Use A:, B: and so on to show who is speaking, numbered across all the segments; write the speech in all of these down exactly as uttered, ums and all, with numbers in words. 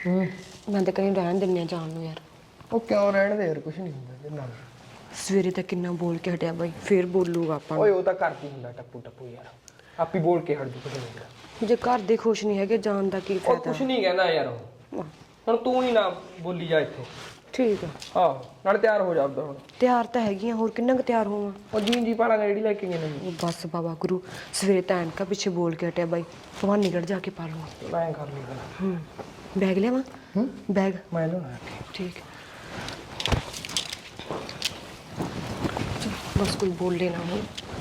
A: मैं तो कहीं रहन दिन्ने जान नूं यार।
B: ਉਹ ਕਿਉਂ ਰਹਿਣ ਦੇ ਯਾਰ, ਕੁਛ ਨਹੀਂ ਹੁੰਦਾ ਇਹਦੇ ਨਾਲ।
A: सवेरे तक किन्ना बोल के हटिया बाई, फिर बोलूगा ਆਪਾਂ
B: ਓਏ ਉਹ ਤਾਂ ਕਰਦੀ ਹੁੰਦਾ ਟੱਪੂ ਟੱਪੂ ਯਾਰ, ਆਪੀ ਬੋਲ ਕੇ ਹਟ ਜੂ ਕੁਛ ਨਹੀਂ।
A: ਜੇ ਘਰ ਦੇ ਖੁਸ਼ ਨਹੀਂ ਹੈਗੇ ਜਾਣ ਦਾ ਕੀ
B: ਉਹ
A: ਫਾਇਦਾ।
B: ਕੁਛ ਨਹੀਂ ਕਹਿੰਦਾ ਯਾਰ, ਉਹ ਹੁਣ ਤੂੰ ਹੀ ਨਾ ਬੋਲੀ ਜਾ ਇੱਥੇ।
A: ਠੀਕ ਹੈ।
B: ਆਹੋ ਨਾਲ ਤਿਆਰ ਹੋ ਜਾ ਆਪਦਾ ਹੁਣ।
A: ਤਿਆਰ ਤਾਂ ਹੈਗੀਆਂ, ਹੋਰ ਕਿੰਨਾ ਕੁ ਤਿਆਰ ਹੋਵਾਂ।
B: ਉਹ ਜੀ ਜੀ ਪਾਲਾ ਜਿਹੜੀ ਲੈ ਕੇ ਗਏ ਨੇ।
A: ਉਹ ਬਸ ਬਾਬਾ ਗੁਰੂ ਸਵੇਰੇ ਤਾਂ ਐਨਕਾ ਪਿੱਛੇ ਬੋਲ ਕੇ ਹਟਿਆ ਬਾਈ, ਭਵਾਨੀਗੜ੍ਹ ਜਾ ਕੇ ਪਾ ਲਵਾਂ।
B: ਮੈਂ ਕਰ ਲਈ ਗੱਲ।
A: ਹੂੰ ਬੈਗ ਲਿਆਵਾਂ?
B: ਹੂੰ
A: ਬੈਗ
B: ਮੈਂ ਲਿਆਉਣਾ।
A: ठीक बस कोई बोल लेना हो।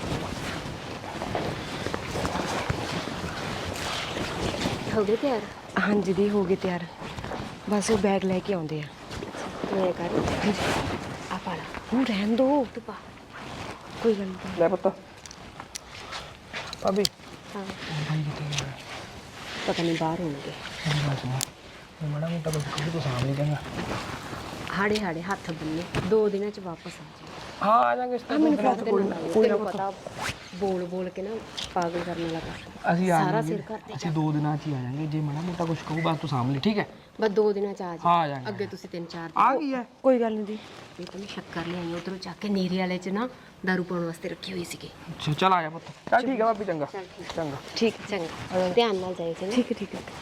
C: हो गए तैयार?
A: हाँ जी दी हो गए तैयार, बस वो बैग लेके आते हैं।
C: तो मैं कर आ पाला
A: हूँ रहन दो,
C: तू पा।
A: कोई गल नहीं।
B: ਲੈ ਪੁੱਤ ਭਾਬੀ
C: हाँ
B: ਭਾਈ ਕਿੱਥੇ ਗਿਆ?
C: पता नहीं बाहर होंगे।
B: ਮੇਰੀ ਗੱਲ ਸੁਣੋ, ਮੈਂ ਮਾੜਾ ਮੋਟਾ ਕੁਝ ਕਹੂੰ ਤੂੰ ਸਾਂਭ ਲਈ ਚੰਗਾ।
C: हाड़े हाड़े हाथ बन्ने दो दिन च वापस आ जाए।
B: ਹਾਂ ਆ ਜਾਾਂਗੇ ਇਸ ਤੋਂ
C: तेन
B: ਕੋਈ ਨਾ
C: पता बोल बोल के ना पागल करने लगा।
B: ਅਸੀਂ ਆ
C: सारा
B: ਜਾਾਂਗੇ,
C: सिर करते
B: ਅਸੀਂ ਦੋ ਦਿਨਾਂ 'ਚ ਹੀ ਆ ਜਾਾਂਗੇ। ਜੇ ਮਾੜਾ ਮੋਟਾ ਕੁਝ ਕਹੂ ਬਸ ਤੂੰ ਸਾਂਭ ਲਈ, ਠੀਕ ਹੈ?
C: बस दो दिन च आ
B: हाँ, आ
C: जाए।
B: जाएंगे।
C: अगे तुसी तीन चार
B: ਆ ਗਈ ਹੈ।
A: कोई गल नहीं दी।
C: ये तो मैं शक्कर ले आई उधरों जाके नीरे वाले च ना दारू पाने वास्ते रखी हुई सी।
B: ਅੱਛਾ ਚੱਲ ਆ ਜਾ ਪੁੱਤ। ਚੱਲ ਠੀਕ ਹੈ ਭਾਬੀ, ਚੰਗਾ
C: चल ठीक
B: ਚੰਗਾ।
A: ठीक
C: चंगा ध्यान नाल जाए सी ना।
A: ठीक है ठीक है।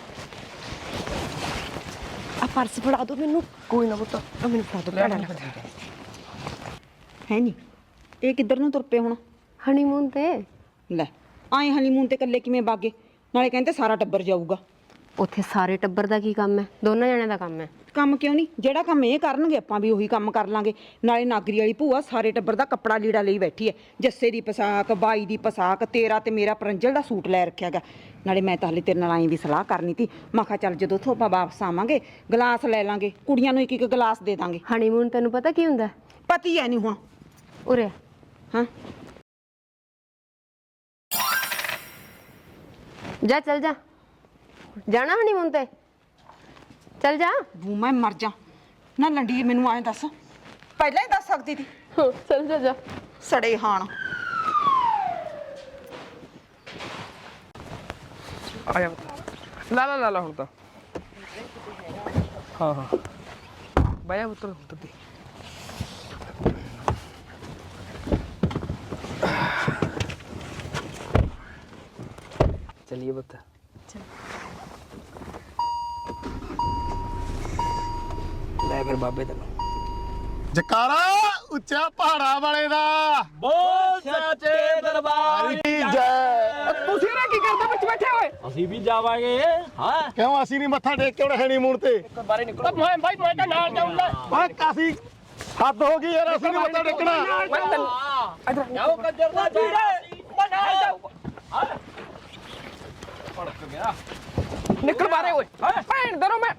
A: आ पर्स फड़ा दो मैनू। कोई ना पुत्त, आ मैनू फड़ा दो भैड़ा लगदा।
D: ਹੈ ਨਹੀਂ ਇਹ ਕਿੱਧਰ ਨੂੰ ਤੁਰ ਪਏ ਹੁਣ?
C: हनीमून ते
D: ਲੈ ਆਏ ਹਨੀਮੂਨ ਤੇ ਇਕੱਲੇ ਕਿਵੇਂ ਬਾਗੇ? ਨਾਲੇ ਕਹਿੰਦੇ ਸਾਰਾ ਟੱਬਰ ਜਾਊਗਾ।
C: ਉੱਥੇ ਸਾਰੇ ਟੱਬਰ ਦਾ ਕੀ ਕੰਮ ਹੈ? ਦੋਨਾਂ ਜਣਿਆਂ ਦਾ ਕੰਮ ਹੈ।
D: ਕੰਮ ਕਿਉਂ ਨਹੀਂ? ਜਿਹੜਾ ਕੰਮ ਇਹ ਕਰਨਗੇ ਆਪਾਂ ਵੀ ਉਹੀ ਕੰਮ ਕਰ ਲਾਂਗੇ। ਨਾਲੇ ਨਾਗਰੀ ਵਾਲੀ ਭੂਆ ਸਾਰੇ ਟੱਬਰ ਦਾ ਕੱਪੜਾ ਲੀੜਾ ਲਈ ਬੈਠੀ ਹੈ। ਜੱਸੇ ਦੀ ਪਸਾਕ, ਬਾਈ ਦੀ ਪਸਾਕ, ਤੇਰਾ ਤੇ ਮੇਰਾ ਪਰੰਜਲ ਦਾ ਸੂਟ ਲੈ ਰੱਖਿਆ ਗਾ। ਨਾਲੇ ਮੈਂ ਤਾਂ ਹਲੇ ਤੇਰੇ ਨਾਲ ਆਈ ਵੀ ਸਲਾਹ ਕਰਨੀ ਤੀ। ਮੈਂ ਕਿਹਾ ਚੱਲ ਜਦੋਂ ਉੱਥੋਂ ਆਪਾਂ ਵਾਪਸ ਆਵਾਂਗੇ ਗਲਾਸ ਲੈ ਲਾਂਗੇ, ਕੁੜੀਆਂ ਨੂੰ ਇੱਕ ਇੱਕ ਗਲਾਸ ਦੇ ਦਾਂਗੇ।
C: ਹਨੀਮੂਨ ਤੈਨੂੰ ਪਤਾ ਕੀ ਹੁੰਦਾ?
D: ਪਤੀ ਐ ਨਹੀਂ ਹੁਣ।
C: ਉਰੇ
D: ਹਾਂ
C: ਜਾ ਚੱਲ ਜਾ, ਜਾਣਾ ਹਨੀਮੂਨ ਤੇ ਚੱਲ ਜਾ।
D: ਬੂ ਮੈਂ ਮਰ ਜਾ ਨਾ ਲੰਡੀ, ਮੈਨੂੰ ਐਂ ਦੱਸ, ਪਹਿਲਾਂ ਹੀ ਦੱਸ ਸਕਦੀ ਤੀ।
C: ਚੱਲ ਜਾ ਜਾ।
D: ਸੜੇ ਹਾਣ
B: ਆ ਜਾ ਪੁੱਤ। ਲਾ ਲਾ ਲਾ ਲਾ ਹੁਣ ਤਾਂ। ਹਾਂ ਹਾਂ ਬਾਇਆ ਪੁੱਤ ਪੁੱਤ ਤੇ चलिए बता। ले फिर बाबे तेन
E: ਜਕਾਰਾ ਉੱਚਾ ਪਹਾੜਾ ਵਾਲੇ ਦਾ
F: ਬੋਲ ਸੱਚੇ ਦਰਬਾਰ
E: ਦੀ ਜੈ।
B: ਤੁਸੀਂ ਨਾ ਕੀ ਕਰਦੇ ਵਿੱਚ ਬੈਠੇ ਹੋਏ?
F: ਅਸੀਂ ਵੀ ਜਾਵਾਂਗੇ। ਹਾਂ
E: ਕਿਉਂ ਅਸੀਂ ਨਹੀਂ ਮੱਥਾ ਟੇਕ ਕੇ ਹੁਣ ਹਨੀਮੂਨ ਤੇ?
B: ਬਾਰੇ ਨਿਕਲੋ। ਮੈਂ ਭਾਈ ਮੈਂ ਤਾਂ ਨਾਲ ਜਾਊਂਗਾ।
E: ਓਏ ਕਾਸੀ ਹੱਦ ਹੋ ਗਈ ਯਾਰ, ਅਸੀਂ ਨਹੀਂ ਮੱਥਾ ਟੇਕਣਾ।
B: ਮੈਂ ਤਾਂ
F: ਜਾਓ ਕੰਜਰ ਦਾ ਜੀਰੇ
B: ਮੈਂ ਨਾਲ ਜਾਊਂਗਾ।
F: ਪੜਕ ਗਿਆ।
B: ਨਿਕਲ ਬਾਰੇ ਓਏ। ਭੈਣ ਦਰੋ ਮੈਂ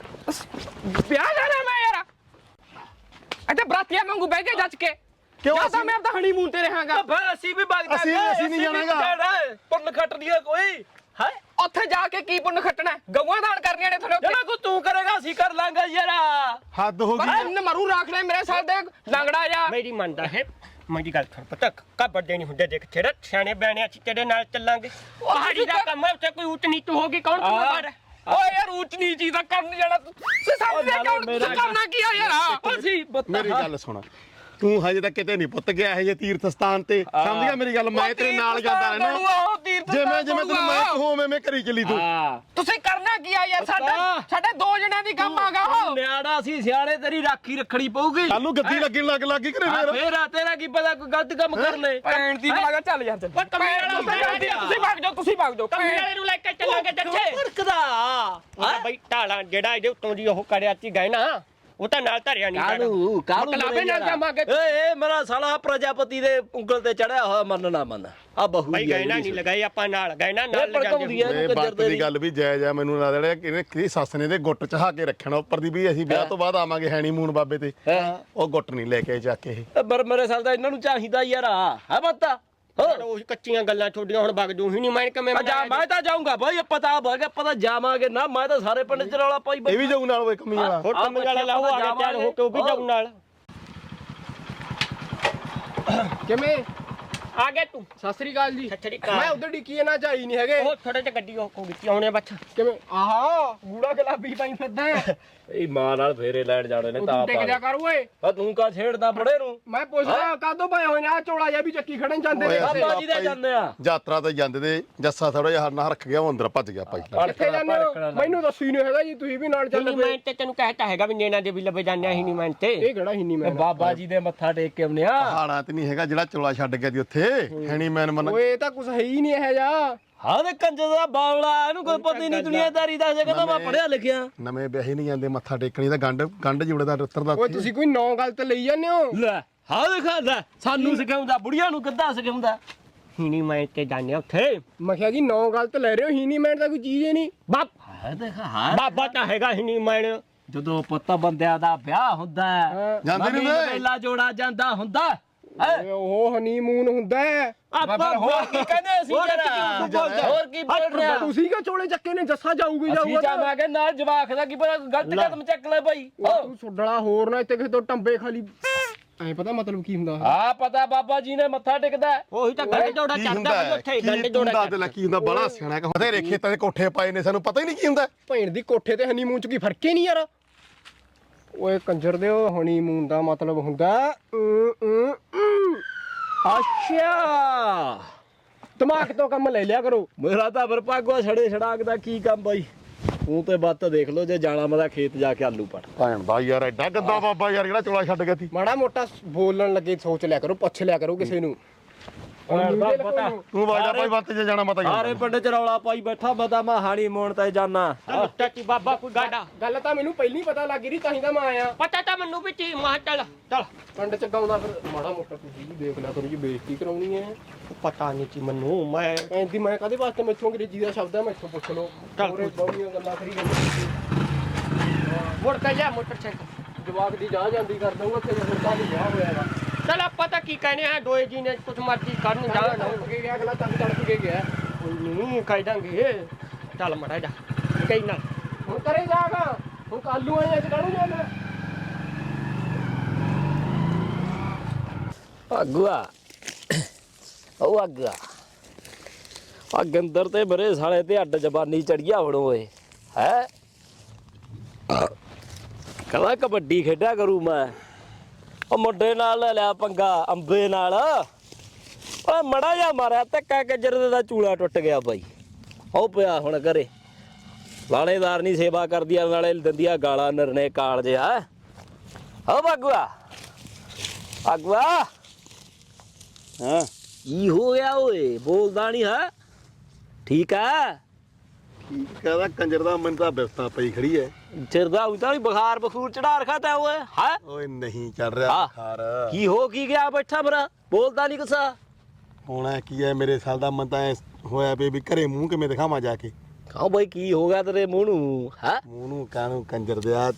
B: ਵਿਆਹ ਜਾਣਾ ਮੈਂ ਯਾਰ। ਇੱਥੇ ਬਰਾਤੀਆਂ ਵਾਂਗੂ ਬਹਿ ਕੇ ਜੱਜ ਕੇ
E: ਕਿਉਂ
B: ਜਾਂ ਤਾਂ ਮੈਂ ਆਪਦਾ ਹਨੀਮੂਨ ਤੇ ਰਹਾਂਗਾ।
F: ਫਿਰ ਅਸੀਂ ਵੀ ਵਗ ਜਾਾਂਗੇ।
E: ਅਸੀਂ- ਅਸੀਂ ਨਹੀਂ ਜਾਣਾਗਾ।
F: ਪੁੰਨ ਖੱਟਦੀ ਹੈ ਕੋਈ ਹੈ?
B: ਉੱਥੇ ਜਾ ਕੇ ਕੀ ਪੁੰਨ ਖੱਟਣਾ? ਗਊਆਂ ਦਾਨ ਕਰਨੀਆਂ ਨੇ ਤੁਹਾਡੇ
F: ਜਿਹੜਾ ਕੋ ਤੂੰ ਕਰੇਗਾ ਅਸੀਂ ਕਰ ਲਾਂਗੇ ਯਾਰ।
E: ਹੱਦ ਹੋ
B: ਉੱਤੇ।
E: ਗਈ।
B: ਮੈਂ ਮਰੂ ਰੱਖ ਲੈ ਮੇਰੇ ਸਾਲ ਦੇ ਲੰਗੜਾ ਜਾ।
G: ਮੇਰੀ ਮੰਨਦਾ ਹੈ ਮੇਰੀ ਗੱਲ ਸੁਣ ਪਤਾ ਕਾ ਵੱਡੇ ਨਹੀਂ ਹੁੰਦੇ, ਦੇਖ ਤੇਰੇ ਸਿਆਣੇ ਬਿਆਣੇ ਅਸੀਂ ਤੇਰੇ ਨਾਲ ਚੱਲਾਂਗੇ। ਪਹਾੜੀ ਦਾ ਕੰਮ ਹੈ, ਉੱਥੇ ਕੋਈ ਉੱਚ ਨੀਚ ਹੋਗੀ ਕੌਣ ਜ਼ਿੰਮੇਵਾਰ ਹੈ?
B: ਓਏ ਯਾਰ ਉੱਚ ਨੀਚ ਦਾ ਕਰਨ ਜਾਣਾ ਤੂੰ ਸਾਹਮਣੇ ਕੌਣ ਤੁਸੀਂ ਕਰਨਾ ਕੀ ਆ ਯਾਰ?
F: ਅਸੀਂ
E: ਮੇਰੀ ਗੱਲ ਸੁਣ, ਤੂੰ ਹਜੇ ਤੱਕ ਕਿਤੇ ਨਹੀਂ ਪੁੱਤ ਗਿਆ ਇਹ ਤੀਰਥ ਸਥਾਨ ਤੇ, ਸਮਝ ਗਿਆ ਮੇਰੀ ਗੱਲ? ਮੈਂ ਤੇਰੇ ਨਾਲ ਜਾਂਦਾ ਰਹਿਣਾ। ਜਿਵੇਂ ਜਿਵੇਂ ਤੈਨੂੰ ਮੈਂ ਕਹੂੰ ਉਵੇਂ ਮੈਂ ਕਰੀ ਚੱਲੀ ਤੂੰ।
B: ਤੁਸੀਂ ਕਰਨਾ ਕੀ ਆ ਯਾਰ? ਸਾਡਾ ਸਾਡੇ ਦੋ ਜਣਿਆਂ ਦੀ ਕੰਮ ਆਗਾ ਉਹ।
F: ਨਿਆੜਾ ਸੀ ਸਿਆਣੇ, ਤੇਰੀ ਰਾਖੀ ਰੱਖਣੀ ਪਊਗੀ।
E: ਕੱਲ ਨੂੰ ਗੱਦੀ ਲੱਗਣ ਲੱਗ ਲੱਗੀ ਕਰੇ
F: ਆ
E: ਫੇਰ।
F: ਫੇਰ ਆ ਤੇਰਾ ਕੀ ਪਤਾ ਕੋਈ ਗਲਤ ਕੰਮ ਕਰ ਲੈ।
B: ਭੈਣ ਦੀ ਬਲਾਗਾ ਚੱਲ ਯਾਰ ਚੱਲ। ਤੁਸੀਂ ਭਾਗ ਜਾਓ, ਤੁਸੀਂ ਭਾਗ ਜਾਓ।
G: ਕਮਰੇ ਵਾਲੇ ਨੂੰ ਲੈ ਕੇ ਚੱਲਾਂਗੇ ਜੱਥੇ।
F: ਭੜਕਦਾ
G: ਹਾਂ ਬਈ ਢਾਲਾਂ ਜਿਹੜਾ ਇਹਦੇ ਉੱਤੋਂ ਦੀ ਉਹ ਕਰਿਆ ਸੀ ਗਏ ਨਾ, ਉਹ ਤਾਂ ਨਾਲ ਧਰਿਆ ਨਹੀਂ ਜਾਣਾ।
F: ਕਾਲੂ ਕਾਲੂ
B: ਮਕਲਾਬੇ ਨਾਲ ਜਾਵਾਂਗੇ।
F: ਏ ਮੇਰਾ ਸਾਲਾ ਪ੍ਰਜਾਪਤੀ ਦੇ ਉਂਗਲ ਤੇ ਚੜਿਆ ਹੋਇਆ ਮੰਨ ਨਾ ਮੰਨ ਆ ਬਹੂ
G: ਬਈ ਗਏ ਨਾ ਨਹੀਂ ਲਗਾਈ ਆਪਾਂ ਨਾਲ ਗਏ ਨਾ ਨਾਲ
F: ਭੜਕਾਉਂਦੀ ਐ
G: ਲਿਜਾਂਦੇ।
E: ਇਹ ਵਕਤ ਦੀ ਗੱਲ ਵੀ ਜਾਇਜ਼ ਆ। ਮੈਨੂੰ ਲੱਗਦਾ ਜਿਹੜਾ ਕਿਹਨੇ ਕਿਹਦੀ ਸੱਸ ਨੇ ਦੇ ਗੁੱਟ ਚਹਾ ਕੇ ਰੱਖਣਾ ਉੱਪਰ ਦੀ ਵੀ ਅਸੀਂ ਵਿਆਹ ਤੋਂ ਬਾਅਦ ਆਵਾਂਗੇ ਹੈਨੀਮੂਨ ਬਾਬੇ ਤੇ। ਉਹ ਗੁੱਟ ਨਹੀਂ ਲੈ ਕੇ ਚੱਕ ਇਹ।
F: ਪਰ ਮੇਰੇ ਸਾਲ ਦਾ ਇਹਨਾਂ ਨੂੰ ਚਾਹੀਦਾ ਯਾਰ ਹੈ ਬੰਦਾ।
G: ਹੋਰ ਉਹ ਕੱਚੀਆਂ ਗੱਲਾਂ ਛੋਡੀਆਂ ਹੁਣ ਵਗ ਜੂ ਹੀ ਨਹੀਂ ਮੈਂ ਕਿਵੇਂ
F: ਜਾ ਮੈਂ ਤਾਂ ਜਾਊਂਗਾ ਬਈ, ਪਤਾ ਹੋਗਾ ਪਤਾ ਜਾਵਾਂਗੇ ਨਾ। ਮੈਂ ਤਾਂ ਸਾਰੇ ਪਿੰਡ ਚ ਰੌਲਾ ਪਾਈ
E: ਇਹ ਵੀ ਜਾਊ ਨਾਲ ਉਹ ਕਮੀ ਵਾਲਾ।
G: ਹੋਰ ਕੰਮ ਵਾਲਾ ਲਾਓ ਆ ਕੇ ਤਿਆਰ ਹੋ ਕੇ ਉਹ ਵੀ ਜਾਊ ਨਾਲ।
B: ਕਿਵੇਂ
G: ਆ ਗਿਆ ਤੂੰ
B: ਸਤਿ ਸ੍ਰੀ ਅਕਾਲ ਜੀ
G: ਸਤਿ ਸ੍ਰੀ ਅਕਾਲ।
B: ਮੈਂ ਉਧਰ ਡਿੱਕੀ ਨਾ ਚਾਈ ਨਹੀਂ ਹੈਗੇ
G: ਉਹ ਥੋੜੇ ਤੇ ਗੱਡੀ ਉਹ ਵਿੱਚ ਆਉਣੇ ਬੱਚ
B: ਕਿਵੇਂ ਆਹਾ ਗੂੜਾ ਗੁਲਾਬੀ ਪਾਈ ਫਿਰਦਾ ਹੈ।
F: ਇਹ ਮਾਂ ਨਾਲ ਫੇਰੇ ਲੈਣ ਜਾਣੇ ਨੇ
B: ਉਹ
F: ਤਾਂ
B: ਤੂੰ ਟਿਕ ਜਾ ਕਰ ਓਏ
F: ਆ ਤੂੰ ਕਾ ਛੇੜਦਾ ਬੜੇ ਨੂੰ
B: ਮੈਂ ਪੁੱਛਦਾ ਕਾਦੋਂ ਪਏ ਹੋਏ ਨੇ ਆ ਚੋਲਾ ਜਿਹਾ ਵੀ ਚੱਕੀ ਖੜਨ ਜਾਂਦੇ ਨੇ
E: ਓਏ
B: ਕਿਸੇ।
F: ਬਾਬਾ ਜੀ ਦੇ ਜਾਂਦੇ ਆ
E: ਯਾਤਰਾ ਤੇ ਜਾਂਦੇ ਤੇ ਜੱਸਾ ਥੋੜਾ ਜਿਹਾ ਨਾ ਰੱਖ ਗਿਆ ਉਹ ਅੰਦਰ ਭੱਜ ਗਿਆ ਭਾਈ
B: ਕਿੱਥੇ ਜਾਂਦੇ ਹੋ ਮੈਨੂੰ ਦੱਸੀ ਨਹੀਂ ਹੈਗਾ ਜੀ ਤੁਸੀਂ ਵੀ ਨਾਲ ਚੱਲ
G: ਹਿੰਨੀ
B: ਪਏ
G: ਮੈਂ ਤੇ ਤੈਨੂੰ ਕਹਿਤਾ ਹੈਗਾ ਵੀ ਨੈਣਾ ਦੇ ਵੀ ਲੱਭੇ ਜਾਂਦੇ ਆ ਹਿੰਨੀ ਮੈਂ ਤੇ
B: ਇਹ ਕਿਹੜਾ ਹਿੰਨੀ ਮੈਂ
F: ਬਾਬਾ ਜੀ ਦੇ ਮੱਥਾ ਟੇਕ ਕੇ ਆਉਨੇ ਆ
E: ਪਹਾੜਾਂ ਤੇ ਨਹੀਂ ਹੈਗਾ ਜਿਹੜਾ ਚੋਲਾ ਛੱਡ ਗਿਆ ਦੀ ਉੱਥੇ ਹੈਣੀ ਮੈਨ ਮਨ
B: ਓਏ ਇਹ ਤਾਂ ਕੁਝ ਹੈ ਹੀ ਨਹੀਂ ਇਹ ਜਾ
F: ਹਾਂ ਤੇ ਕੰਜਰ ਦਾ ਬਾਵਲਾ ਇਹਨੂੰ ਕੋਈ ਪਤਾ ਹੀ ਨਹੀਂ ਦੁਨੀਆਦਾਰੀ ਦਾ ਕਹਿੰਦਾ ਮੈਂ ਪੜਿਆ ਲਿਖਿਆ
E: ਨਵੇਂ ਵਿਆਹੀ ਨਹੀਂ ਜਾਂਦੇ ਮੱਥਾ ਟੇਕਣੀ ਤਾਂ ਗੰਢ ਗੰਢ ਜੁੜਦਾ ਉੱਤਰਦਾ
B: ਓਏ ਤੁਸੀਂ ਕੋਈ ਨੌ ਗੱਲ ਤੇ ਲਈ ਜਾਂਦੇ ਹੋ
F: ਲੈ ਹਾਂ ਦੇਖਾ ਲੈ ਸਾਨੂੰ ਸਿਖਾਉਂਦਾ ਬੁੜੀਆਂ ਨੂੰ ਕਿੱਦਾਂ ਸਿਖਾਉਂਦਾ
G: ਹਿੰਨੀ ਮੈਂ ਤੇ ਜਾਂਦੇ ਆ ਉੱਥੇ
B: ਮੈਂ ਕਿਹਾ ਜੀ ਨੌ ਗੱਲ ਤੇ ਲੈ ਰਹੇ ਹੋ ਹਿੰਨੀ ਮੈਂ ਤਾਂ ਕੋਈ ਚੀਜ਼ ਹੀ ਨਹੀਂ
G: ਬਾਪ
F: ਹਾਂ ਦੇਖਾ ਹਾਂ
G: ਬਾਬਾ ਤਾਂ ਹੈਗਾ ਹਿੰਨੀ ਮੈਂ
F: ਜਦੋਂ ਪੁੱਤ ਬੰਦਿਆਂ ਦਾ ਵਿਆਹ ਹੁੰਦਾ ਹੈ
E: ਜਾਂਦੇ ਨੀ
F: ਨਵੀਂ
E: ਵੇ।
F: ਨਵੇਲਾ ਜੋੜਾ ਜਾਂਦਾ ਹੁੰਦਾ ਹੈ
B: ਓਏ ਉਹ ਹਨੀਮੂਨ ਹੁੰਦਾ ਹੈ
F: ਆਪਾਂ ਹੋਰ ਕੀ ਕਹਿੰਦੇ ਅਸੀਂ ਯਾਰ ਹੋਰ ਕੀ ਬੋਲ ਰਿਹਾ
B: ਤੁਸੀਂ ਕਿਉਂ ਚੋਲੇ ਚੱਕੇ ਨੇ ਜੱਸਾ ਜਾਊਗੀ
F: ਅਸੀਂ
B: ਜਾਊਗਾ
F: ਜਾਵਾਂਗੇ ਨਾਲ ਜਵਾਕ ਦਾ ਕੀ ਪਤਾ ਗਲਤ ਕਦਮ ਚੱਕ ਲੈ ਭਾਈ
B: ਉਹ ਤੂੰ ਸੁੱਡਲਾ ਹੋਰ ਨਾ ਇੱਥੇ ਕਿਸੇ ਤੋਂ ਟੰਬੇ ਖਾਲੀ ਐ ਪਤਾ ਮਤਲਬ ਕੀ ਹੁੰਦਾ
F: ਆ ਪਤਾ ਬਾਬਾ ਜੀ ਨੇ ਮੱਥਾ ਟੇਕਦਾ
G: ਉਹੀ ਤਾਂ ਗੰਢ ਜੋੜਾ
E: ਕੀ
G: ਚੱਲਦਾ
E: ਹੁੰਦਾ
G: ਵੀ
E: ਹੈ?
G: ਉੱਥੇ
E: ਕੀ
G: ਗੰਢ
E: ਤੂੰ
G: ਜੋੜਾ
E: ਦੱਸ ਦੇ ਲੈ ਕੀ ਹੁੰਦਾ ਬੜਾ ਸਿਆਣਾ ਕਿ ਬਥੇਰੇ ਖੇਤਾਂ ਦੇ ਕੋਠੇ ਪਾਏ ਨੇ ਸਾਨੂੰ ਪਤਾ ਹੀ ਨਹੀਂ ਕੀ ਹੁੰਦਾ
B: ਭੈਣ ਦੀ ਕੋਠੇ ਤੇ ਹਨੀਮੂਨ ਚ ਕੀ ਫਰਕ ਹੀ ਨਹੀਂ ਯਾਰ ਓਏ ਕੰਜਰ ਦੇ ਉਹ ਹਨੀਮੂਨ ਦਾ ਮਤਲਬ ਹੁੰਦਾ ਅਮ, ਅਮ, ਅਮ।
F: ਅੱਛਾ
B: ਦਿਮਾਗ ਤੋਂ ਕੰਮ ਲੈ ਲਿਆ ਕਰੋ
F: ਮੇਰਾ ਤਾਂ ਵਰਪਾਗਵਾ ਛੜੇ ਛੜਾਕ ਦਾ ਕੀ ਕੰਮ ਬਾਈ ਤੂੰ ਤੇ ਬੱਤ ਦੇਖ ਲੋ ਜੇ ਜਾਣਾ ਮੈਂ ਖੇਤ ਜਾ ਕੇ ਆਲੂ ਪੜ
E: ਭੈਣ ਦਾ ਯਾਰ ਐਡਾ ਗੰਦਾ ਬਾਬਾ ਯਾਰ ਜਿਹੜਾ ਚੋਲਾ ਛੱਡ ਗਿਆ ਸੀ
B: ਮਾੜਾ ਮੋਟਾ ਬੋਲਣ ਲੱਗੇ ਸੋਚ ਲਿਆ ਕਰੋ ਪੁੱਛ ਲਿਆ ਕਰੋ ਕਿਸੇ ਨੂੰ
F: ਪਤਾ
E: ਤੂੰ ਵਾਜਾ ਭਾਈ ਵੱਤ ਜੇ ਜਾਣਾ ਮਤਾ
F: ਸਾਰੇ ਪਿੰਡ ਚ ਰੌਲਾ ਪਾਈ ਬੈਠਾ ਬਤਾ ਮੈਂ ਹਾਣੀ ਮੋਣ ਤੇ ਜਾਣਾ
G: ਚਾਚੀ ਬਾਬਾ ਕੋਈ ਗਾਡਾ
B: ਗੱਲ ਤਾਂ ਮੈਨੂੰ ਪਹਿਲਾਂ ਹੀ ਪਤਾ ਲੱਗ ਗਈ ਤਾਂ ਹੀ ਤਾਂ ਮੈਂ ਆਇਆ
G: ਪਤਾ ਤਾਂ ਮੈਨੂੰ ਵੀ ਤੀ ਮਾਂ ਚੱਲ ਚੱਲ
B: ਪਿੰਡ ਚ ਗਾਉਂਦਾ ਫਿਰ ਮਾੜਾ ਮੋਟਾ ਤੁਸੀਂ ਵੀ ਦੇਖ ਲਿਆ ਕਰੋ ਜੀ ਬੇਇੱਜ਼ਤੀ ਕਰਾਉਣੀ ਹੈ
G: ਪਤਾ ਨਹੀਂ ਤੀ ਮੈਨੂੰ ਮੈਂ
B: ਐਂਦੀ ਮੈਂ ਕਦੇ ਵਾਸਤੇ ਮੈਥੋਂ ਅੰਗਰੇਜ਼ੀ ਦਾ ਸ਼ਬਦ ਹੈ ਮੈਥੋਂ ਪੁੱਛ ਲਓ ਹੋਰੇ ਬਹੁਤੀਆਂ ਗੱਲਾਂ ਕਰੀ ਜਾਂਦੇ
G: ਮੁੜ ਕੇ ਜਾ ਮੋਟਰਸਾਈਕਲ
B: ਜਵਾਕ ਦੀ ਜਾ ਜਾਂਦੀ ਕਰ ਦਊਗਾ ਤੇ ਹੁਣ ਤਾਂ ਨਹੀਂ ਵਿਆਹ ਹੋਇਆ ਹੈਗਾ
G: ਚਲ ਆਪਾਂ ਤਾਂ ਕੀ ਕਹਿੰਦੇ ਆ ਦੋਏ ਜੀ ਨੇ ਕੁਝ ਮਰਜ਼ੀ ਕਰਨ ਜਾ
B: ਤੜਕ ਕੇ ਗਿਆ ਅਗਲਾ ਤੱਕ ਤੜਕ ਕੇ ਗਿਆ
G: ਕੋਈ ਨਹੀਂ ਕਹਿ ਦਾਂਗੇ ਚੱਲ ਮੜਾ ਜਾ ਕਹੀ ਨਾ
B: ਹੁਣ ਕਰੇ ਜਾਗਾ ਹੁਣ ਕਾਲੂ ਆਏ ਅੱਜ ਕਾਹਨੂੰ ਜਾਣਾ
F: ਅਗਵਾ ਉਹ ਅਗਵਾ ਆ ਗੰਦਰ ਤੇ ਬਰੇ ਸਾਲੇ ਤੇ ਅੱਡ ਜ਼ਬਾਨੀ ਚੜੀਆ ਹੁਣ ਓਏ ਹੈ ਕਹਿੰਦਾ ਕਬੱਡੀ ਖੇਡਿਆ ਕਰੂ ਮੈਂ ਉਹ ਮੁੰਡੇ ਨਾਲ ਲੈ ਲਿਆ ਪੰਗਾ ਅੰਬੇ ਨਾਲ ਓਏ ਮੜਾ ਜਾ ਮਾਰਿਆ ਧੱਕਾ ਗੱਜਰ ਦਾ ਚੂਲਾ ਟੁੱਟ ਗਿਆ ਬਾਈ ਉਹ ਪਿਆ ਹੁਣ ਘਰੇ ਲਾਣੇਦਾਰ ਨਹੀਂ ਸੇਵਾ ਕਰਦੀ ਆ ਨਾਲੇ ਦਿੰਦੀ ਆ ਗਾਲਾਂ ਨਿਰਣੇ ਕਾਲ ਜਿਹਾ ਹੋ ਬਾਗਵਾ ਅਗਵਾ ਹਾਂ ਕੀ ਹੋ ਗਿਆ ਓਏ ਬੋਲਦਾ ਨਹੀਂ ਹੈ ਠੀਕ ਆ
E: ਠੀਕ ਕਹਦਾ ਕੰਜਰ ਦਾ ਮਨ ਤਾਂ ਬਿਫਤਾ ਪਈ ਖੜੀ ਐ
F: ਚਿਰਦਾ ਉਤਾਂ ਵੀ ਬੁਖਾਰ ਬਖੂਰ ਚੜਾ ਰਖਾ ਤਾ ਓਏ ਹੈ
E: ਓਏ ਨਹੀਂ ਚੜ ਰਿਹਾ
F: ਹਾਂ।
E: ਬੁਖਾਰ
F: ਕੀ ਹੋ ਕੀ ਗਿਆ ਬੈਠਾ ਮੇਰਾ ਬੋਲਦਾ ਨਹੀਂ ਕੁਛ
E: ਹੋਣਾ ਕੀ ਐ ਮੇਰੇ ਸਾਲ ਦਾ ਮਨ ਤਾਂ ਐਂ ਹੋਇਆ ਪਈ ਵੀ ਘਰੇ ਮੂੰਹ ਕਿਵੇਂ ਦਿਖਾਵਾਂ ਜਾ ਕੇ
F: ਕਹੋ ਬਈ ਕੀ ਹੋ ਗਿਆ ਤੇਰੇ ਮੂੰਹ ਨੂੰ ਹੈ
E: ਮੂੰਹ ਨੂੰ ਕਾਹਨੂੰ ਕੰਜਰ ਦਿਆ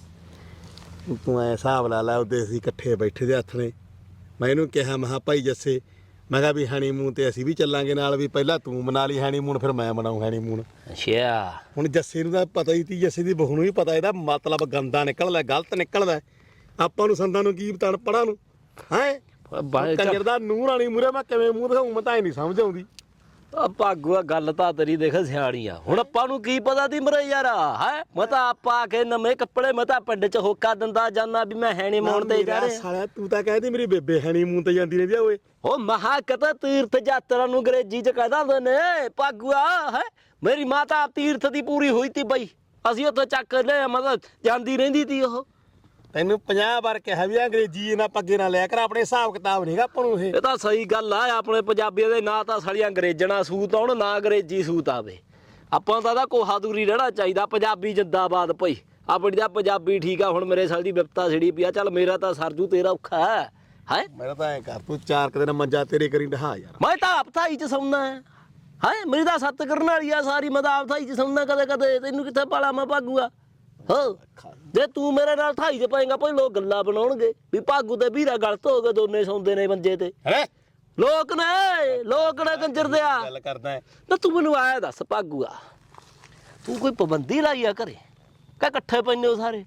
E: ਤੂੰ ਐ ਹਿਸਾਬ ਲਾ ਲੈ ਉਹਦੇ ਅਸੀਂ ਇਕੱਠੇ ਬੈਠੇ ਦੇ ਹੱਥ ਨੇ ਮੈਂ ਇਹਨੂੰ ਕਿਹਾ ਮਹਾ ਭਾਈ ਜੱਸੇ ਮੈਂ ਕਿਹਾ ਵੀ ਹਨੀਮੂਨ ਤੇ ਅਸੀਂ ਵੀ ਚੱਲਾਂਗੇ ਨਾਲ ਵੀ ਪਹਿਲਾਂ ਤੂੰ ਮਨਾ ਲਈ ਹਨੀਮੂਨ ਫਿਰ ਮੈਂ ਮਨਾਉਂ ਹਨੀਮੂਨ
F: ਅੱਛਾ
E: ਹੁਣ ਜੱਸੇ ਨੂੰ ਤਾਂ ਪਤਾ ਹੀ ਤੀ ਜੱਸੇ ਦੀ ਬਹੂ ਨੂੰ ਵੀ ਪਤਾ ਇਹਦਾ ਮਤਲਬ ਗੰਦਾ ਨਿਕਲਦਾ ਗਲਤ ਨਿਕਲਦਾ ਆਪਾਂ ਨੂੰ ਸੰਦਾਂ ਨੂੰ ਕੀ ਪਤਾ ਪੜਾ ਨੂੰ ਹੈ ਕੰਜਰ ਦਾ ਨੂੰਹ ਰਾਣੀ ਮੂਰੇ ਮੈਂ ਕਿਵੇਂ ਮੂੰਹ ਦਿਖਾਉਂ ਮੈਂ ਤਾਂ ਇਹ ਨਹੀਂ ਸਮਝ ਆਉਂਦੀ
F: ਆ ਭਾਗੂਆ ਗੱਲ ਤਾਂ ਤੇਰੀ ਦੇਖ ਸਿਆਣੀ ਆ ਹੁਣ ਆਪਾਂ ਨੂੰ ਕੀ ਪਤਾ ਤੀ ਮਰੇ ਯਾਰ ਹੈ ਮੈਂ ਤਾਂ ਆਪਾ ਕੇ ਨਵੇਂ ਕੱਪੜੇ ਮੈਂ ਤਾਂ ਪਿੰਡ ਚ ਹੋਕਾ ਦਿੰਦਾ ਜਾਂਦਾ ਵੀ ਮੈਂ ਹੈਣੀ ਮੋਣ ਤੇ ਜਾ ਰਿਹਾ
E: ਸਾਲਿਆ ਤੂੰ ਤਾਂ ਕਹਿੰਦੀ ਮੇਰੀ ਬੇਬੇ ਹਨੀਮੂਨ ਤੇ ਜਾਂਦੀ ਰਹਿੰਦੀ ਆ ਓਏ
F: ਉਹ ਮਹਾ ਕਤਾ ਤੀਰਥ ਯਾਤਰਾ ਨੂੰ ਅੰਗਰੇਜ਼ੀ ਚ ਕਹਿ ਦਿੰਦੇ ਨੇ ਭਾਗੂਆ ਹੈ ਮੇਰੀ ਮਾਤਾ ਤੀਰਥ ਦੀ ਪੂਰੀ ਹੋਈ ਤੀ ਬਈ ਅਸੀਂ ਉੱਥੇ ਚੱਕ ਲੈ ਮਤਲਬ ਜਾਂਦੀ ਰਹਿੰਦੀ ਤੀ ਉਹ
E: ਤੈਨੂੰ ਪੰਜਾਹ ਵਾਰ ਕਿਹਾ ਵੀ ਅੰਗਰੇਜ਼ੀ ਇਹਨਾਂ ਪੱਗੇ ਨਾਲ ਲਿਆ ਕਰ ਆਪਣੇ ਹਿਸਾਬ ਕਿਤਾਬ ਨਹੀਂਗਾ ਆਪਾਂ ਨੂੰ ਇਹ
F: ਇਹ ਤਾਂ ਸਹੀ ਗੱਲ ਆ ਆਪਣੇ ਪੰਜਾਬੀਆਂ ਦੇ ਨਾ ਤਾਂ ਸਾਲੀਆਂ ਅੰਗਰੇਜ਼ਣਾ ਸੂਤ ਆਉਣ ਨਾ ਅੰਗਰੇਜ਼ੀ ਸੂਤ ਆਵੇ ਆਪਾਂ ਤਾਂ ਦਾ ਕੋਹਾ ਦੂਰੀ ਰਹਿਣਾ ਚਾਹੀਦਾ ਪੰਜਾਬੀ ਜਿੰਦਾਬਾਦ ਭਈ ਆਪਣੀ ਤਾਂ ਪੰਜਾਬੀ ਠੀਕ ਆ ਹੁਣ ਮੇਰੇ ਸਾਲ ਦੀ ਵਿਪਤਾ ਛਿੜੀ ਪਿਆ ਚੱਲ ਮੇਰਾ ਤਾਂ ਸਰਜੂ ਤੇਰਾ ਔਖਾ ਹੈ ਹੈ
E: ਮੇਰਾ ਤਾਂ ਐ ਕਰ ਤੂੰ ਚਾਰ ਕੁ ਦਿਨ ਮੰਜਾ ਤੇਰੇ ਕਰੀ ਢਹਾ ਯਾਰ
F: ਮੈਂ ਤਾਂ ਆਪ ਥਾਈ ਚ ਸੌਣਾ ਹੈ ਹੈ ਮੇਰੀ ਤਾਂ ਸੱਤ ਕਰਨ ਵਾਲੀ ਆ ਸਾਰੀ ਮੈਂ ਤਾਂ ਆਪ ਥਾਈ ਚ ਸੌਣਾ ਕਦੇ ਕਦੇ ਤੈਨੂੰ ਕਿੱਥੇ ਪਾਲਾ ਮੈਂ ਭਾਗੂਆ ਹੋ ਜੇ ਤੂੰ ਮੇਰੇ ਨਾਲ ਥਾਈ ਚ ਪਾਏਗਾ ਭਾਈ ਲੋਕ ਗੱਲਾਂ ਬਣਾਉਣਗੇ ਵੀ ਭਾਗੂ ਤੇ ਵੀਰਾ ਗਲਤ ਹੋ ਗਏ ਦੋਨੇ ਸੌਂਦੇ ਨੇ ਮੰਜੇ ਤੇ
E: ਹੈ
F: ਲੋਕ ਨੇ ਲੋਕ ਨੇ ਕੰਜਰ ਦਿਆ
E: ਗੱਲ ਕਰਦਾ ਹੈ
F: ਨਾ ਤੂੰ ਮੈਨੂੰ ਆਇਆ ਦੱਸ ਭਾਗੂਆ ਤੂੰ ਕੋਈ ਪਾਬੰਦੀ ਲਾਈ ਆ ਘਰੇ ਕਾ ਇਕੱਠੇ ਪੈਨੇ ਹੋ ਸਾਰੇ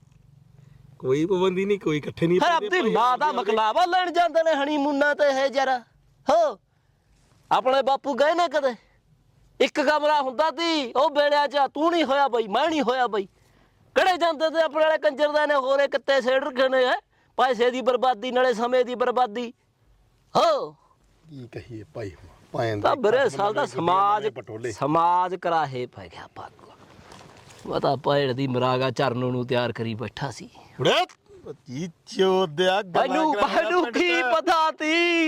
E: ਕੋਈ ਪਾਬੰਦੀ ਨਹੀਂ ਕੋਈ ਇਕੱਠੇ ਨਹੀਂ
F: ਫਿਰ ਆਪਣੀ ਮਾਂ ਦਾ ਮਕਲਾਵਾ ਲੈਣ ਜਾਂਦੇ ਨੇ ਹਨੀਮੂਨਾਂ ਤੇ ਇਹ ਜਰਾ ਹੋ ਆਪਣੇ ਬਾਪੂ ਗਏ ਨੇ ਕਦੇ ਇੱਕ ਕਮਰਾ ਹੁੰਦਾ ਤੀ ਉਹ ਵੇਲਿਆਂ ਚ ਤੂੰ ਨਹੀਂ ਹੋਇਆ ਬਈ ਮੈਂ ਨਹੀਂ ਹੋਇਆ ਬਈ ਕਿਹੜੇ ਜਾਂਦੇ ਤੇ ਆਪਣੇ ਵਾਲੇ ਕੰਜਰ ਦਾ ਨੇ ਹੋਰੇ ਕਿੱਤੇ ਸੇੜ ਰੱਖੇ ਨੇ ਹੈ ਪੈਸੇ ਦੀ ਬਰਬਾਦੀ ਨਾਲੇ ਸਮੇਂ ਦੀ ਬਰਬਾਦੀ ਹੋ
E: ਕੀ ਕਹੀਏ ਭਾਈ ਭਾਂ
F: ਤਾਂ ਬਰੇ ਸਾਲ ਦਾ ਸਮਾਜ ਸਮਾਜ ਕਰਾਹੇ ਪੈ ਗਿਆ ਪਾਕ ਉਹ ਤਾਂ ਪੈੜ ਦੀ ਮਰਾਗਾ ਚਰਨ ਨੂੰ ਤਿਆਰ ਕਰੀ ਬੈਠਾ ਸੀ
E: ਉੜੇ ਜੀ ਚੋਦਿਆ
F: ਮੈਨੂੰ ਮੈਨੂੰ ਕੀ ਪਤਾ ਤੀ